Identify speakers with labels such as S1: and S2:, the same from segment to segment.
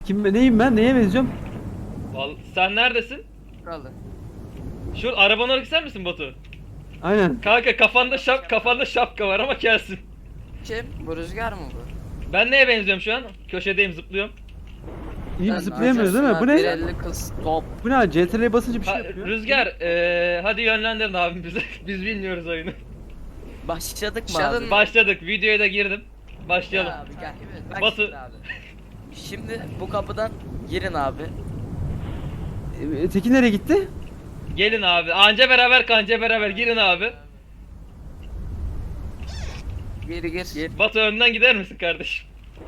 S1: Neyim ben? Neye benziyorum?
S2: Vallahi sen neredesin?
S3: Kralı.
S2: Şu arabanın orası sen misin Batu?
S1: Aynen.
S2: Kanka kafanda şapka var ama gelsin.
S3: Kim? Bu Rüzgar mı bu?
S2: Ben neye benziyorum şu an? Köşedeyim, zıplıyorum.
S1: İyi
S3: Sen
S1: zıplayamıyoruz değil mi? Bu ne?
S3: 150 kız top.
S1: Bu ne? CTRL'ye basınca bir şey
S2: Ha,
S1: yapıyor.
S2: Rüzgar, hadi yönlendirin abi bize. Biz bilmiyoruz oyunu.
S4: Başladık mı
S3: Başladın
S4: abi?
S3: mı?
S2: Başladık, videoya da girdim. Başlayalım.
S4: Abi gel.
S3: Bak
S2: Batu.
S4: şimdi abi. Şimdi bu kapıdan girin abi.
S1: Tekin nereye gitti?
S2: Gelin abi. Anca beraber kanca beraber girin abi.
S3: Gir gir.
S4: Gir.
S2: Batu önden gider misin kardeşim?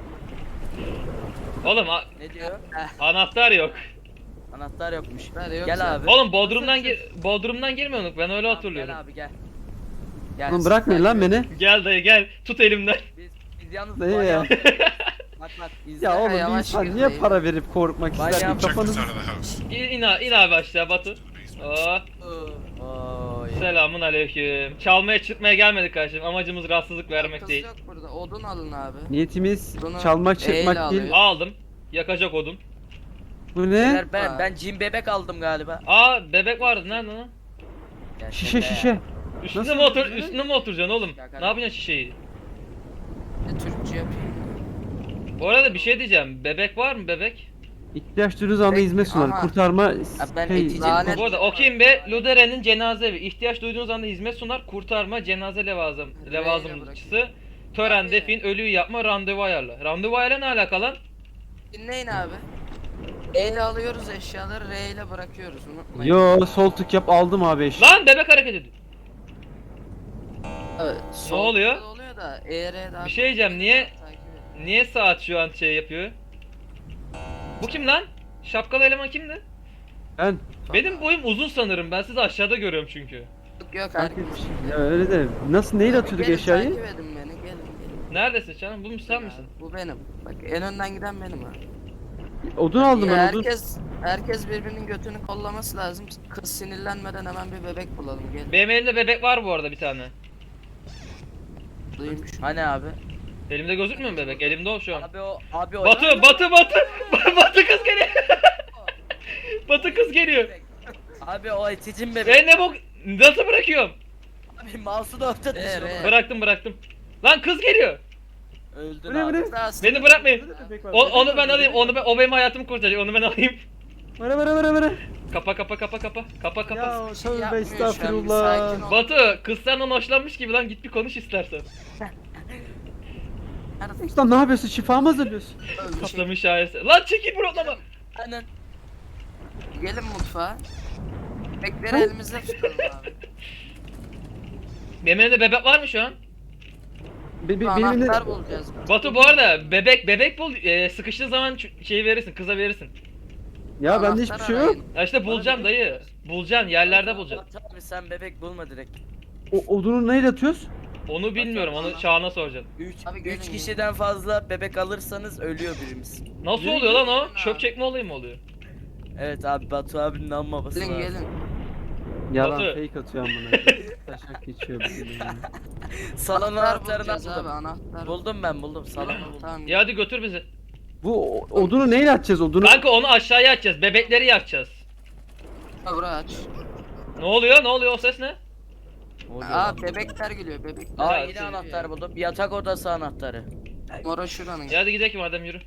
S2: Oğlum
S4: Ne diyor?
S2: anahtar yok.
S4: Anahtar yokmuş.
S3: Anahtar yok
S4: Gel
S3: zaten.
S4: abi.
S2: Oğlum Bodrum'dan girmiyorduk. Ben öyle
S4: Tamam,
S2: hatırlıyorum.
S4: Gel abi gel. Gel.
S1: Oğlum bırakmayın lan beni.
S2: Gel dayı gel. Tut elimden.
S4: Biz yalnız
S1: Dayı
S4: banyo
S1: ya.
S4: yaptık. Bak izle.
S1: Ya oğlum bir
S3: yavaş
S1: insan
S3: gir
S1: niye
S3: dayı.
S1: para verip korkmak
S4: Ben
S1: ister ki?
S4: yapacak
S1: Kafanız...
S5: Out of the house.
S2: İn abi aşağı Batu. Oh,
S4: Oo, ya.
S2: selamun aleyküm. Çalmaya çırpmaya gelmedik kardeşim. Amacımız rahatsızlık vermek
S3: Kız
S2: değil.
S3: yok burada. Odun alın abi.
S1: Niyetimiz
S3: Bunu
S1: çalmak
S3: eyle
S1: çırpmak değil.
S3: alıyor.
S2: Aldım. Yakacak odun.
S1: Bu ne?
S4: Beyler, ben cin bebek aldım galiba.
S2: Bebek vardı nerede lan?
S4: Gel
S1: Şişe
S4: şaka ya.
S1: şişe.
S2: Üstüne
S1: Nasıl
S2: mi otur
S1: oluyor?
S2: üstüne mi oturacaksın oğlum?
S4: Ya
S2: Ne yapacaksın şişeyi?
S3: Türkçe yapayım.
S2: Bu arada bir şey diyeceğim. Bebek var mı bebek?
S1: İhtiyaç duyduğunuz anda
S3: Peki,
S1: hizmet sunar.
S3: ama-
S1: Kurtarma
S4: ben
S1: şey,
S4: eticiyim.
S3: lanet-
S2: Bu arada okuyayım be. Ludere'nin cenaze evi. İhtiyaç duyduğunuz anda hizmet sunar. Kurtarma, cenaze levazımcısı. Tören,
S3: Abi.
S2: defin, ölüyü yapma, randevu ayarla. Randevu ayarla ne alaka lan?
S3: Dinleyin abi. E ile alıyoruz eşyaları, R ile bırakıyoruz. Unutmayın.
S1: Yo sol tık yap aldım abi eş.
S2: Lan bebek hareket ediyor.
S3: Evet, sol
S2: oluyor?
S3: tıkla oluyor da E, R daha
S2: Bir şey diyeceğim, niye-
S3: Takip et.
S2: Niye saat şu an şey yapıyor? Bu kim lan? Şapkalı eleman kimdi?
S1: Ben.
S2: Benim boyum uzun sanırım. Ben sizi aşağıda görüyorum çünkü.
S3: Yok herkes.
S1: Ya öyle de nasıl neyle atıyorduk
S3: Gelin,
S1: eşyayı?
S3: Takip edin beni, gelin.
S2: Neredesin canım? Bu mu sen misin?
S3: Bu benim. Bak en önden giden benim abi.
S1: Odun aldım
S3: Ya
S1: ben odun.
S3: herkes birbirinin götünü kollaması lazım. Kız sinirlenmeden hemen bir bebek bulalım. Gelin.
S2: Benim elimde bebek var bu arada bir tane.
S3: Duymuş.
S4: Hani abi?
S2: Elimde gözükmüyor mu bebek? Elimde o şu an.
S4: Abi o.
S2: Batı! Batı kız geliyor! Batı kız geliyor!
S4: Abi o eticim bebek.
S2: Ne bu? Nasıl bırakıyorum?
S4: Abi mouse'u da orta düşürdüm.
S2: Bıraktım. Lan kız geliyor!
S4: Öldün
S1: Bu ne, bu
S4: abi.
S1: ne?
S2: Beni bırakmayın. Onu ben alayım, o benim hayatımı kurtaracak, onu ben alayım.
S1: Vara.
S2: Kapa.
S1: Ya
S3: şey
S1: tövbe
S3: yapmıyor şu an, bir
S1: estağfurullah.
S3: sakin ol.
S2: Batu, kız senden hoşlanmış gibi lan, git bir konuş istersen.
S3: Nerede?
S1: Usta ne yapıyorsun? Şifa mı hazırlıyorsun?
S3: Öyle bir şey.
S2: Patlamış şahesi. Lan çekil buradan.
S4: Aynen.
S3: Gelin mutfağa. Bebekleri elimizde tutalım abi.
S2: Benim elimde bebek var mı şu an?
S1: Benim
S3: Anahtar bulacağız.
S2: Batu bu arada bebek bul, sıkıştığın zaman şey verirsin, kıza verirsin.
S1: Ya bende
S3: Anahtar
S1: hiçbir şey yok.
S3: arayın.
S2: Ya işte bulacaksın dayı. Bulacaksın, yerlerde bulacaksın.
S4: Abi sen bebek bulma direkt.
S1: Odunu neyle atıyoruz?
S2: Onu bilmiyorum, onu Çağan'a soracaksın.
S4: 3
S3: Abi gelin,
S4: 3
S3: gelin.
S4: kişiden fazla bebek alırsanız ölüyor birimiz.
S2: Nasıl
S1: Gelin,
S2: oluyor lan o?
S3: gelin
S2: Çöp
S3: abi.
S2: çekme olayı mı oluyor?
S4: Evet abi Batu abinin amma babası
S3: Gelin
S4: lazım.
S3: gelin.
S1: Yalan
S2: Batu.
S1: fake atıyor amına. Taşak geçiyor bizim.
S4: Salon
S3: Anahtar
S4: anahtarını
S3: bulacağız abi,
S4: buldum.
S3: anahtar.
S4: Buldum salonu buldum.
S3: Tamam.
S2: Ya hadi götür bizi.
S1: Bu odunu neyle atacağız odunu?
S2: Kanka onu aşağıya atacağız, bebekleri yakacağız.
S3: Burayı aç.
S2: Ne oluyor o ses ne?
S3: Aa bebekler geliyor bebekler.
S4: Aa
S2: Ya,
S4: yine
S2: şey-
S4: anahtar buldum. Yatak odası anahtarı.
S3: Mora şuranın.
S2: Ya hadi gidelim madem, yürü.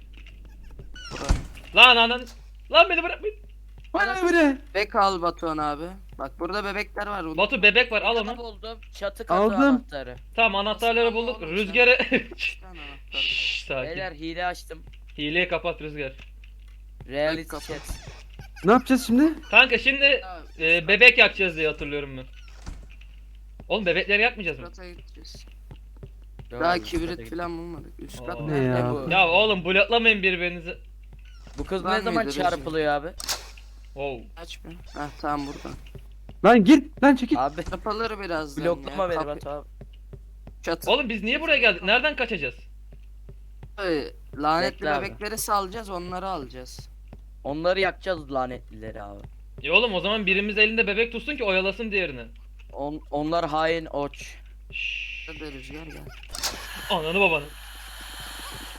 S3: Buranın.
S2: Lan beni bırakmayın.
S1: Bana böyle.
S3: Bebek al Batuhan abi. Bak burada bebekler var. Burada.
S2: Batu bebek var, al
S4: Yatak
S2: onu.
S4: buldum. Çatı katı
S1: Aldım.
S4: anahtarı.
S2: Tamam, anahtarları bulduk.
S3: Oğlum sen-
S2: Rüzgarı...
S3: Bir tane anahtar.
S2: Şşş, sakin.
S4: Beyler hile açtım.
S2: Hileyi kapat Rüzgar.
S4: Reality
S3: kapat.
S4: chat.
S1: Ne yapacağız şimdi?
S2: Kanka şimdi
S3: Ya,
S2: bebek yakacağız diye hatırlıyorum ben. Oğlum bebekleri yakmayacağız mı?
S3: Kata gideceğiz.
S4: Yok
S3: Daha
S4: abi,
S3: kibrit
S4: çatıya
S3: falan bulmadık. Üst kat
S2: Aa.
S1: Ne
S3: nerede
S1: ya?
S3: bu?
S2: Ya oğlum bloklamayın birbirinizi.
S4: git. Bu kız
S3: Var
S4: ne zaman
S3: mıydı
S4: çarpılıyor abi?
S2: Wow.
S3: Aç bir. Heh tamam burada.
S1: Lan git lan çekil.
S4: Abi
S3: Yapılır birazdan
S4: bloklama
S3: ya.
S4: beni
S3: Kapı-
S4: Batu abi.
S3: Çatı.
S2: Oğlum biz niye buraya geldik? Nereden kaçacağız?
S3: Lanetli
S4: Bekle abi.
S3: bebekleri salacağız, onları alacağız.
S4: Onları yakacağız lanetlileri abi.
S2: Ya oğlum o zaman birimiz elinde bebek tutsun ki oyalasın diğerini.
S4: Onlar hain oç.
S2: Şşş.
S3: Hadi rüzgar gel.
S2: Ananı babanı.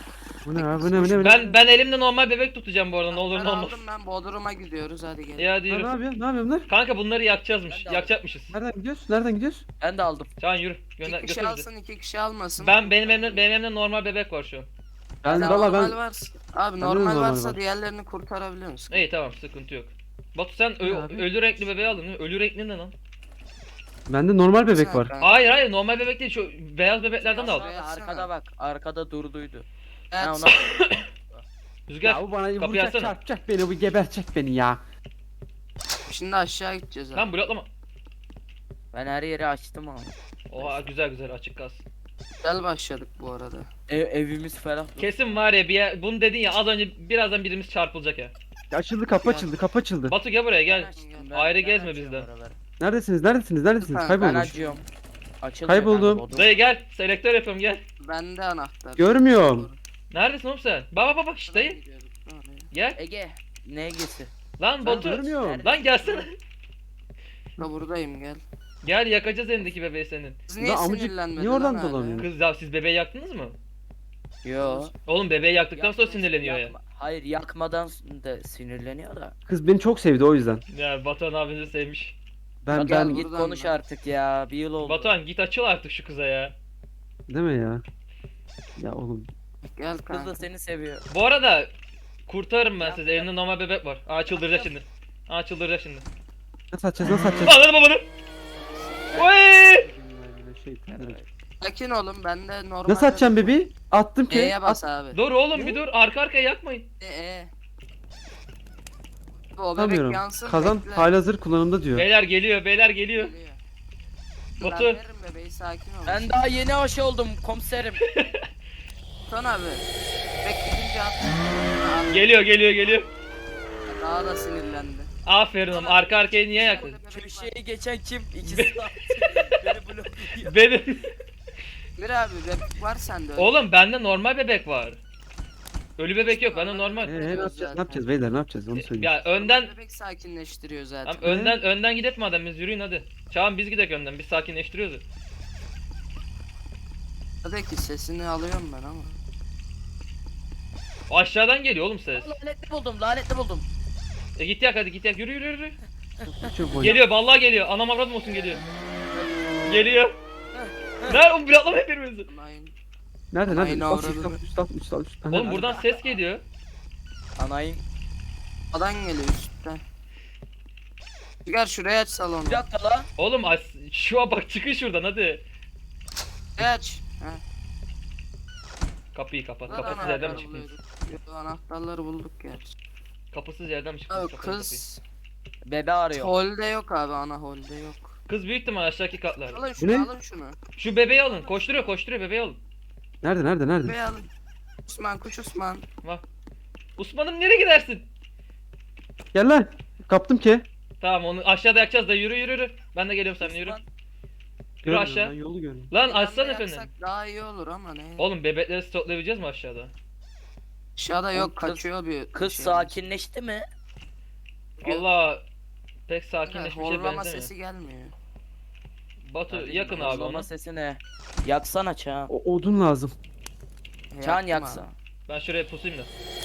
S1: Bu ne abi? Bu ne? Bu ne? Bu ne?
S2: Ben elimde normal bebek tutacağım bu arada, ne olur ne olmaz.
S3: aldım ben, Bodrum'a gidiyoruz, hadi gel.
S2: Ya hadi
S1: Lan ne
S2: yürü.
S1: yapıyorsun? Ne yapıyorsun lan?
S2: Kanka bunları yakacağızmış.
S4: Ben de aldım.
S2: Yakacakmışız.
S1: Nereden gidiyoruz? Nereden gidiyoruz?
S4: Ben de aldım.
S2: Çağan yürü. Gönder,
S3: İki kişi
S2: götür bizi.
S3: alsın, iki kişi almasın.
S2: Benim elimde normal bebek var şu an.
S1: Ben
S3: Ya
S1: valla
S3: normal
S1: ben
S3: varsa. Abi
S1: Bende de
S3: normal
S1: normal
S3: varsa
S1: var.
S3: diğerlerini kurtarabiliyor musun?
S2: İyi tamam, sıkıntı yok. Batu sen
S1: Ne abi?
S2: ölü renkli bebeği aldın. Ölü renkli ne lan?
S1: bende normal bebek
S3: Sen
S1: var.
S3: kanka.
S2: Hayır normal bebek değil, şu beyaz bebeklerden de al.
S3: Şuraya atsana.
S4: Arkada bak. Arkada durduydu.
S3: Evet.
S4: Ha, ona...
S2: Rüzgar
S1: Ya bu bana
S2: kapıyı
S1: vuracak,
S2: açsana.
S1: çarpacak beni, bu gebertecek beni ya.
S3: Şimdi aşağı gideceğiz abi.
S2: Lan bloklama.
S4: Ben her yeri açtım ama.
S2: Oha güzel açık kalsın.
S3: Güzel başladık bu arada.
S4: Evimiz ferah.
S2: Kesin var ya bir yer, bunu dedin ya az önce, birazdan birimiz çarpılacak ya.
S1: Açıldı, kapı açıldı, kapı açıldı.
S2: Batu gel buraya gel.
S4: Ben
S2: Ayrı gezme
S4: açıyorum
S2: bizden.
S4: oraları.
S1: Neredesiniz? Neredesiniz? Neredesiniz?
S3: Ben
S4: Ben
S1: Kaybolmuş.
S4: açıyorum. Açılmıyor
S1: Kayboldum.
S4: kanka,
S2: Dayı gel, selektör yapıyorum gel.
S3: Bende anahtar.
S1: Görmüyorum.
S2: Neredesin oğlum sen? Bak işte dayı. Gel.
S4: Ege. Ne Ege'si?
S2: Lan
S1: Ben
S2: Batu.
S1: görmüyorum.
S2: Lan gelsene.
S3: Da buradayım, gel.
S2: Gel yakacağız elindeki bebeği senin.
S3: Siz niye
S1: Lan amcık,
S3: sinirlenmedin
S1: niye oradan
S3: lan hala?
S1: dolanıyor?
S2: Kız ya siz bebeği yaktınız mı?
S4: Yo.
S2: Oğlum bebeği yaktıktan sonra
S4: Yakma-
S2: sinirleniyor ya.
S4: Hayır yakmadan da sinirleniyor da.
S1: Kız beni çok sevdi o yüzden.
S2: Ya Batuhan abinizi sevmiş.
S1: Ben
S4: Batuhan
S1: ben
S4: git
S3: buradan
S4: konuş
S3: ben.
S4: artık ya. Bir yıl oldu.
S2: Batuhan git açıl artık şu kıza ya.
S1: değil mi ya? Ya oğlum.
S3: Gel
S4: Kız
S3: kanka.
S4: da seni seviyor.
S2: Bu arada kurtarırım ben
S4: Yap,
S2: sizi.
S4: yap.
S2: Elimde normal bebek var. Aa çıldıracak şimdi. Aa çıldıracak şimdi.
S1: Nasıl açacağız? Nasıl açacağız?
S2: Anladın mı bunu? Oy!
S3: Sakin olun, bende normal.
S1: Nasıl açacağım bebeği? Attım ki.
S3: E'ye bas abi.
S2: Dur oğlum bir dur. Arka arkaya yakmayın.
S3: E. O bebek
S1: Atamıyorum.
S3: yansın.
S1: Kazan
S3: bekle.
S1: halihazır kullanımda diyor.
S2: Beyler geliyor. Beyler geliyor.
S3: Geliyor.
S2: Batu.
S3: Ben veririm bebeği, sakin ol.
S4: Ben daha yeni aşı oldum komiserim.
S3: Son abi. Bekleyince at.
S2: Geliyor.
S3: Daha da sinirlendi.
S2: Aferin oğlum. Arka arkaya niye yaktın?
S4: Köşeye geçen kim? İkisi de beni blokluyor.
S2: Benim.
S3: Bir abi bebek var sende.
S2: Oğlum bende normal bebek var. Ölü bebek yok. Bende normal.
S1: Ne yapacağız? Ne yapacağız beyler? Ne yapacağız? Onu söyle.
S2: Ya önden
S3: Bebek sakinleştiriyor zaten.
S2: Tamam, önden gidip madem biz yürüyün hadi. Çağan biz gidek önden. Biz sakinleştiriyoruz. ya.
S3: Tabii ki sesini alıyorum ben ama.
S2: Aşağıdan geliyor oğlum ses.
S4: Lanetli buldum.
S2: Git yak hadi git yak. Yürü.
S1: Çok boy.
S2: Geliyor vallahi geliyor. Anam avradım olsun geliyor. Geliyor. Nerede oğlum bloklama hepimizi.
S3: Aynen.
S1: Nerede?
S3: Aynen
S1: Alt,
S3: orada.
S1: üst, alt.
S2: Oğlum buradan ses geliyor.
S4: Anayım.
S3: Adan geliyor üstten. Çıkar şuraya aç salonu.
S4: Bir dakika la.
S2: Oğlum şu an bak çıkın şuradan hadi.
S3: Şuraya aç. Ha.
S2: Kapıyı kapat.
S3: Lan
S2: Kapısız yerden mi
S3: anahtarı
S2: çıktınız?
S3: buluyorduk. Yo, anahtarları bulduk gerçi.
S2: Kapısız yerden mi çıktınız?
S3: Abi
S2: Kapatın
S3: kız
S4: Bebe arıyor.
S3: holde yok abi, ana holde yok.
S2: kapıyı. Kız büyük ihtimal aşağıdaki katlarda.
S3: Alın
S1: ne?
S3: şunu, alın şunu.
S2: Şu bebeği alın. Koşturuyor bebeği alın.
S1: Nerede?
S3: Bebeği alın. Osman, kuş Osman.
S2: Osman'ım nereye gidersin?
S1: Gel lan. Kaptım ki.
S2: Tamam onu aşağıda yakacağız da yürü. Ben de geliyorum seninle yürü.
S4: Osman,
S2: Yürü
S1: Görmüyorum,
S2: aşağı.
S1: ben yolu görüyorum.
S2: Lan
S3: Bir
S2: açsana
S3: anda
S2: efendim.
S3: yaksak daha iyi olur ama ne?
S2: Oğlum bebekleri stoklayabileceğiz mi aşağıda?
S3: Aşağıda yok,
S4: Kız-
S3: kaçıyor bir
S4: Kız
S3: şey.
S4: sakinleşti mi?
S2: Allah pek
S3: Evet,
S2: sakinleşmiş bir şey
S3: horlama
S2: benzemiyor.
S3: sesi gelmiyor.
S2: Batu
S4: Hadi,
S2: yakın abi
S4: horlama
S2: onu.
S4: sesi ne? Yaksana Çağan.
S1: O odun lazım.
S4: Çağan
S3: Yaktım
S4: yaksa.
S3: abi.
S2: Ben şuraya pusayım da.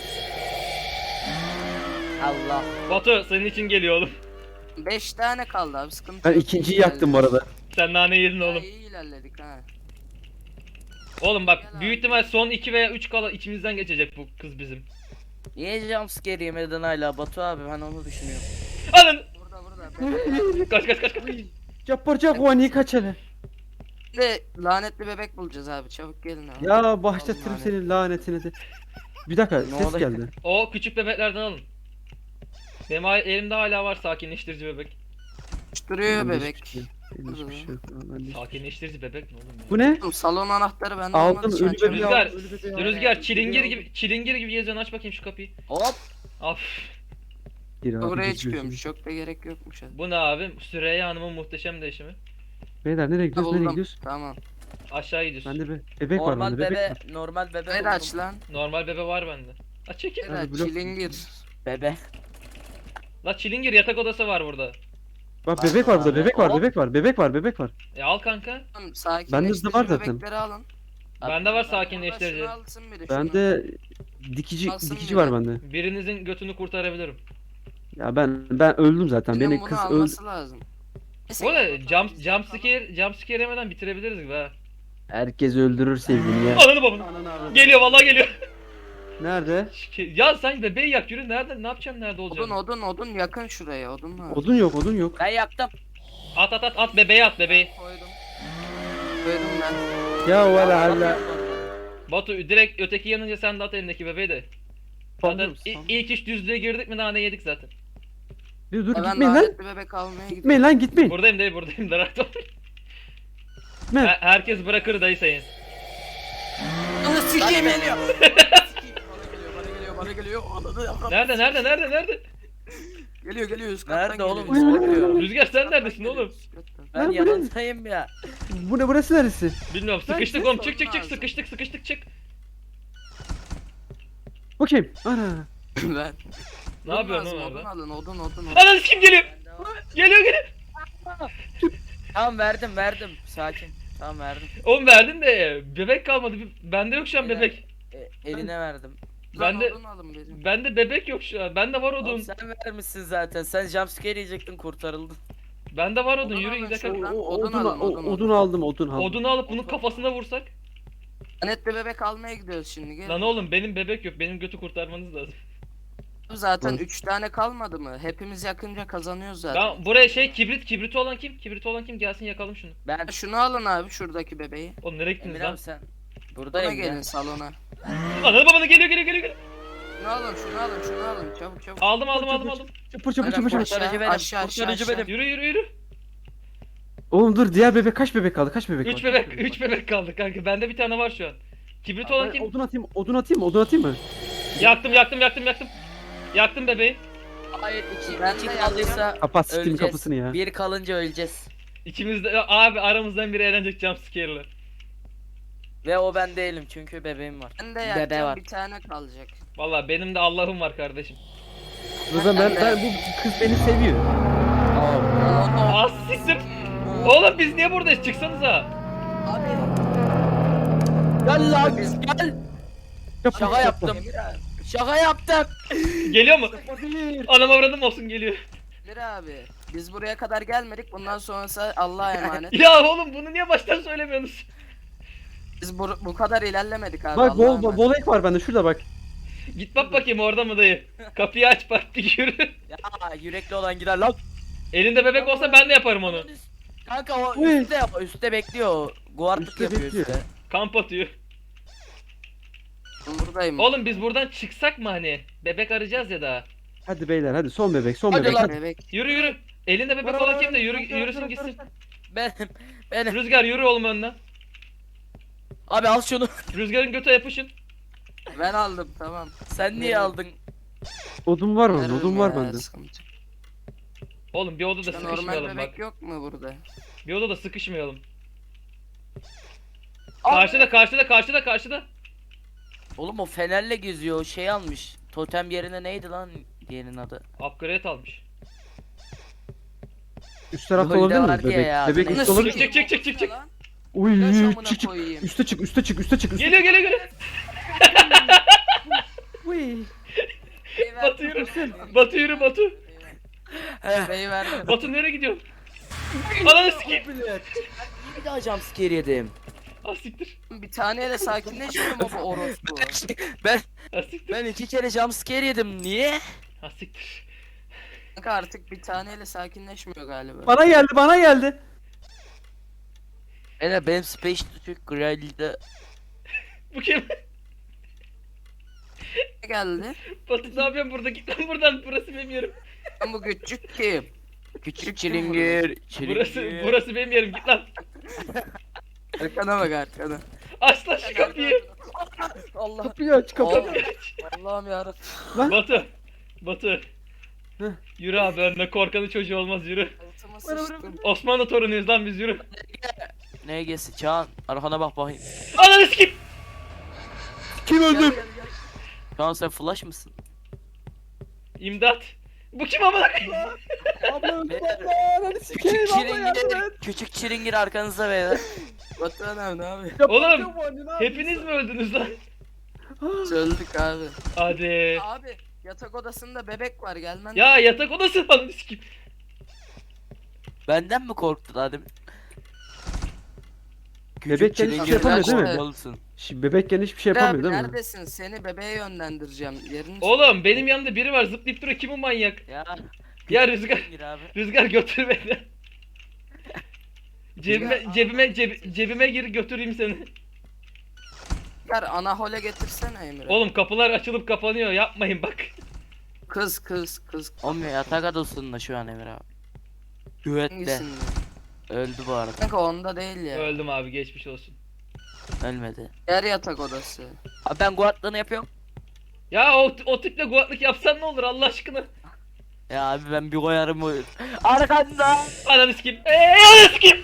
S4: Allah.
S2: Batu senin için geliyor oğlum.
S3: 5 tane kaldı abi, sıkıntı
S1: Ben
S3: yok.
S1: ikinciyi
S3: İyi
S1: yaktım bu arada.
S2: Sen nane yedin
S3: Ya,
S2: oğlum.
S3: İyi ilerledik ha.
S2: Oğlum bak
S3: Gel
S2: büyük
S3: abi.
S2: ihtimal son 2 veya 3 kala içimizden geçecek bu kız bizim.
S4: Niye jumpscare yemedin hala Batu abi, ben onu düşünüyorum.
S2: Alın.
S3: Burada.
S2: Kaç.
S1: Yapacak o niye kaç hele?
S3: Bir de lanetli bebek bulacağız abi, çabuk gelin abi.
S1: Ya başlatırım
S3: Lanet.
S1: senin lanetini de. Bir dakika
S4: Ne
S1: ses
S4: oluyor?
S1: geldi.
S2: O küçük bebeklerden alın. Benim elimde hala var sakinleştirici bebek.
S3: Duruyor
S1: Bende
S3: bebek.
S1: hiçbir şey yok. Bende hiçbir şey yok. Bende hiç-
S2: Sakinleştirici bebek ne oğlum ya?
S1: Bu ne?
S3: Oğlum, salon anahtarı bende
S1: Aldım,
S3: olmadığı için
S1: ölü
S3: açamıyorum.
S1: bebeği
S2: Rüzgar,
S1: aldım, ölü bebeği aldım.
S2: Rüzgar çilingir gibi geziyorsun, aç bakayım şu kapıyı.
S4: Hop.
S2: Af.
S1: Gir abi,
S3: Buraya
S1: geziyorsun.
S3: çıkıyormuş, çok da gerek yokmuş hadi.
S2: Bu ne abi? Süreyya Hanım'ın muhteşem değişimi.
S1: Beyler nereye gidiyoruz? Nereye
S3: Buldum.
S1: gidiyoruz?
S3: Tamam.
S2: Aşağı gidiyorsun.
S1: Bende bebek var
S4: Normal
S1: bende bebek
S4: bebe,
S1: var.
S4: normal bebe.
S3: Hayır
S4: buldum.
S3: aç lan.
S2: Normal bebe var bende. Aç çekil.
S3: Hayır
S1: Hadi blok-
S3: çilingir.
S4: Bebe.
S2: La çilingir yatak odası var burada.
S1: Bak bebek var burada
S4: Abi,
S1: bebek var
S4: hop.
S1: bebek var bebek var bebek var.
S2: Al kanka.
S3: Tamam,
S1: Bende de
S3: sakinleştirici
S1: var zaten.
S3: bebekleri alın.
S2: Bende var
S3: Şunu
S2: sakinleştirici.
S3: alsın biri, şunu.
S1: Bende dikici
S3: Alsın
S1: dikici
S3: biri.
S1: var bende.
S2: Birinizin götünü kurtarabilirim.
S1: Ya ben öldüm zaten.
S3: Birinin
S1: Beni
S3: bunu
S1: kız öldü.
S3: alması lazım.
S2: Bu arada jump scare yemeden bitirebiliriz gibi ha.
S1: Herkes öldürür sevgilini ya.
S2: Ananı babanı. Geliyor vallahi geliyor.
S1: Nerede?
S2: Ya sen bebeği yak yürü nerede ne yapacaksın nerede
S3: Odun
S2: olacaksın?
S3: odun yakın şuraya odun var.
S1: Odun yok, odun yok.
S4: Ben yaktım.
S2: At bebeği at bebeği.
S3: Koydum. Koydum ben.
S1: Ya valla hala.
S2: Batu direkt öteki yanınca sen de at elindeki bebeği de. Zaten
S1: Tamam, tamam.
S2: ilk iş düzlüğe girdik mi daha ne yedik zaten.
S1: Dur
S3: Ben
S1: gitmeyin lan.
S3: lanetli bebek almaya gidiyorum.
S1: Gitmeyin lan gitmeyin.
S2: Buradayım dayı buradayım da rahat ol.
S1: Gitme.
S2: Herkes bırakır dayı sayın.
S3: Onu sikeyim geliyor. Bana geliyor.
S2: Nerede?
S3: Geliyor üst kattan
S4: Nerede oğlum?
S3: geliyor.
S1: Oy, oy, oy, oy.
S2: Rüzgar sen neredesin oğlum?
S4: Ben
S1: Lan bu ne?
S4: yanındayım ya.
S1: Burası neresi?
S2: Bilmiyorum
S3: Ben
S2: sıkıştık
S3: ses
S2: oğlum
S3: sorun
S2: çık
S3: lazım.
S2: sıkıştık çık.
S1: Bakayım. Ana.
S3: Ben.
S2: Ne yapıyorsun
S3: Lazım,
S2: oğlum
S3: odun
S2: orada?
S3: alın odun.
S2: Ananı kim geliyor? Geliyor.
S4: Tamam verdim. Sakin. Tamam verdim.
S2: Oğlum verdin de bebek kalmadı. Bende yok şu an
S4: Evet.
S2: bebek.
S4: Eline verdim.
S2: Bende
S3: Odun alın benim.
S2: bende bebek yok şu an. Bende var odun.
S4: Oğlum sen vermişsin zaten. Sen jumpscare yiyecektin kurtarıldın.
S2: Bende var odun.
S3: Odun
S2: Yürü
S3: alın
S2: gidelim.
S3: şuradan.
S1: Odun
S3: alın,
S1: odun aldım, odun aldım.
S2: Odunu alıp bunun kafasına vursak.
S3: Lanetli bebek almaya gidiyoruz şimdi. Gel.
S2: Lan oğlum benim bebek yok. Benim götü kurtarmanız lazım.
S3: Zaten
S1: Hı.
S3: 3 tane kalmadı mı? Hepimiz yakınca kazanıyoruz zaten.
S2: Ben buraya kibriti olan kim? Kibriti olan kim? Gelsin yakalım şunu.
S4: Ben
S3: Şunu alın abi şuradaki bebeği.
S2: Oğlum nereye gittiniz
S4: Emir
S2: lan?
S4: abi sen.
S3: Bana
S4: Buradayım
S3: gelin
S4: ya.
S3: salona.
S2: Ananı babanı geliyor.
S3: Şunu alın çabuk.
S2: Aldım.
S1: Çapır çapır
S3: Aynen,
S1: çapır çapır.
S4: Kurtarıcı benim.
S3: Aşağı,
S4: Kurtarıcı
S3: aşağı.
S4: benim.
S2: Yürü.
S1: Oğlum dur, diğer bebek kaç bebek kaldı? Kaç bebek
S2: 3
S1: var?
S2: bebek,
S1: Kaç
S2: 3 bebek kaldı kanka. Bende bir tane var şu an. Kibrit olan
S1: Ben
S2: kim?
S1: odun atayım mı?
S2: Yaktım. Yaktım bebeği.
S4: Hayır
S3: Ben
S4: iki
S3: de
S4: kaldıysa
S1: Kapat siktim
S4: öleceğiz.
S1: kapısını ya.
S4: Bir kalınca öleceğiz.
S2: İkimiz de abi aramızdan biri eğlenecek jumpscare'la.
S4: Ve o ben değilim çünkü bebeğim var.
S3: Ben de
S4: Bebe
S3: yakacağım
S4: var.
S3: bir tane kalacak.
S2: Vallahi benim de Allah'ım var kardeşim.
S1: Ben bu kız beni seviyor.
S2: Az siktir. Oğlum biz niye buradayız? Çıksanıza.
S3: Abi.
S4: Gel lan gel.
S1: Yapma,
S4: Şaka
S1: yapma.
S4: yaptım. Şaka yaptım.
S2: Geliyor mu? Anam avradım olsun geliyor.
S3: Emir abi. Biz buraya kadar gelmedik. Bundan sonrası Allah'a emanet.
S2: Ya oğlum bunu niye baştan söylemiyorsunuz?
S3: Biz bu kadar ilerlemedik abi.
S1: Bak
S3: Allah'a emanet.
S1: bol ek var bende, şurada bak.
S2: Git bak bakayım orada mı dayı? Kapıyı aç bak bir yürü.
S4: Ya yürekli olan gider lan.
S2: Elinde bebek olsa ben de yaparım onu.
S4: Kanka o
S1: Uy.
S4: üstte bekliyor. Guardlık
S1: Üstte
S4: yapıyor
S1: bekliyor.
S4: üstte.
S2: Kamp atıyor.
S3: Ben buradayım.
S2: Oğlum biz buradan çıksak mı hani? Bebek arayacağız ya daha.
S1: Hadi beyler, hadi son bebek, son
S4: Hadi
S1: bebek.
S4: lan.
S3: Bebek.
S2: Yürü. Elinde bebek olan kim de yürüsün gitsin.
S4: Benim.
S2: Rüzgar yürü oğlum önden.
S4: Abi al şunu.
S2: Rüzgarın götü yapışın.
S3: Ben aldım tamam.
S4: Sen niye
S3: Benim.
S4: aldın?
S1: Odun var bende,
S3: Veririm
S1: odun var
S3: ya,
S1: bende.
S3: sıkıntı.
S2: Oğlum bir odada
S3: Ya normal
S2: sıkışmayalım
S3: bebek
S2: bak.
S3: yok mu burada?
S2: Bir odada sıkışmayalım.
S3: Abi.
S2: Karşıda.
S4: Oğlum o fenerle geziyor. O şey almış. Totem yerine neydi lan diğerinin adı?
S2: Upgrade almış.
S1: Üst tarafta
S4: Golde
S1: olabilir mi?
S4: vardı ya
S1: Bebek,
S4: ya,
S1: bebek
S4: adını
S1: üstte olabilir.
S2: Çık.
S1: Uy,
S3: Yaş amına
S1: çık.
S3: koyayım.
S1: Üste çık.
S2: Geliyor.
S1: Uy.
S2: Batu yürü. Batu yürü Batu.
S3: Bebeği verdim.
S2: Batu nereye gidiyorsun? Ananı sikeyim.
S4: Bir daha jumpscare yedim.
S2: Ah siktir.
S3: Bir taneyle sakinleşmiyor mu bu orospu?
S4: Ben
S2: Ah siktir.
S4: ben 2 kere jumpscare yedim. Niye?
S2: Ah siktir.
S3: Kanka artık bir taneyle sakinleşmiyor galiba.
S1: Bana geldi.
S4: Benim Space Türk Grill'de
S2: Bu kim?
S3: Ne geldi?
S2: Batu ne yapıyorsun burada? Git lan buradan. Burası benim yerim.
S3: Ben bu küçük kim?
S4: küçük çilingir.
S2: Burası benim yerim. Git lan.
S3: Arkana bak arkana.
S2: Aç lan şu kapıyı.
S3: Allah.
S1: Kapıyı aç, kapıyı.
S3: Allah'ım yarabbim.
S2: Batu.
S1: Heh.
S2: Yürü abi önüne korkanın çocuğu olmaz yürü.
S3: Altıma sıçtım.
S2: Osmanlı torunuyuz lan biz yürü.
S4: Neye geçsin Çağan? Arkana bak bakayım.
S2: Ananı sikeyim.
S1: Kim öldü?
S4: Çağan sen flash mısın?
S2: İmdat. Bu kim amına koyayım?
S1: Abla öldü
S4: Beyler,
S1: abla. Hadi sikeyim abla, yardım et.
S4: Küçük çilingir arkanızda beyler.
S3: Batuhan abi ne abi?
S1: Ya
S2: Oğlum,
S1: bakıyorum anne, ne yapıyorsun?
S2: Hepiniz mi öldünüz lan?
S3: Öldük abi.
S2: Hadi.
S3: Abi yatak odasında bebek var gelmen.
S2: Ya yatak odası falan sikim.
S4: Benden mi korktun Adem?
S1: Bebekken hiçbir şey
S3: yapamıyor değil mi?
S4: Olmalısın.
S1: Şimdi bebekken hiçbir şey
S3: Abi
S1: yapamıyor değil mi?
S3: neredesin? Seni bebeğe yönlendireceğim. Yerini
S2: Oğlum benim yanımda biri var zıplayıp duruyor, kim o manyak?
S4: Ya.
S2: Ya Rüzgar,
S4: Gir abi.
S2: Rüzgar götür beni. Cebime,
S3: Ya,
S2: cebime,
S3: Allah
S2: cebime gir götüreyim seni.
S3: Çıkar ana hole getirsene Emre.
S2: Oğlum kapılar açılıp kapanıyor, yapmayın bak.
S3: Kız.
S4: Oğlum yatak odasında şu an Emir abi. Güvette.
S3: Hangisinde?
S4: Öldü bu arada.
S3: Kanka onda değil ya.
S2: Öldüm abi, geçmiş olsun.
S4: Ölmedi.
S3: Yer yatak odası.
S4: Abi ben guardlığını yapıyorum.
S2: Ya o tiple guatlık yapsan ne olur Allah aşkına.
S4: Ya abi ben bir koyarım o. Arkanda.
S2: Ananı sikeyim. Ananı sikeyim.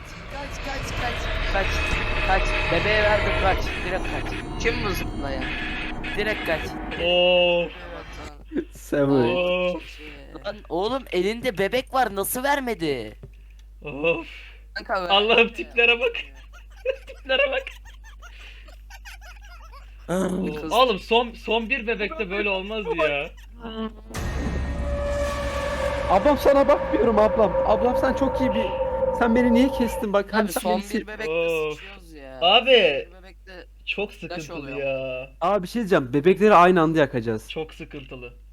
S4: Kaç. Bebeğe verdim kaç. Direkt kaç.
S3: Kim bu zıplayan?
S4: Direkt kaç.
S2: Of.
S3: Batuhan.
S1: Samuel.
S2: Of.
S4: Lan oğlum elinde bebek var nasıl vermedi?
S2: Of.
S3: Kanka ver.
S2: Allah'ım tiplere bak. Tiplere bak.
S3: Kız.
S2: Oğlum son bir bebekte böyle olmazdı ya.
S1: Ablam sana bakmıyorum ablam. Ablam sen çok iyi bir... Sen beni niye kestin bak. Hani
S3: Abi
S1: sen
S3: son
S1: beni
S3: bir bebekte
S2: Of.
S3: sıçıyoruz ya.
S2: Abi.
S3: Bir bebekte
S2: Çok sıkıntılı
S3: oluyor.
S2: ya.
S1: Abi bir şey diyeceğim. Bebekleri aynı anda yakacağız.
S2: Çok sıkıntılı.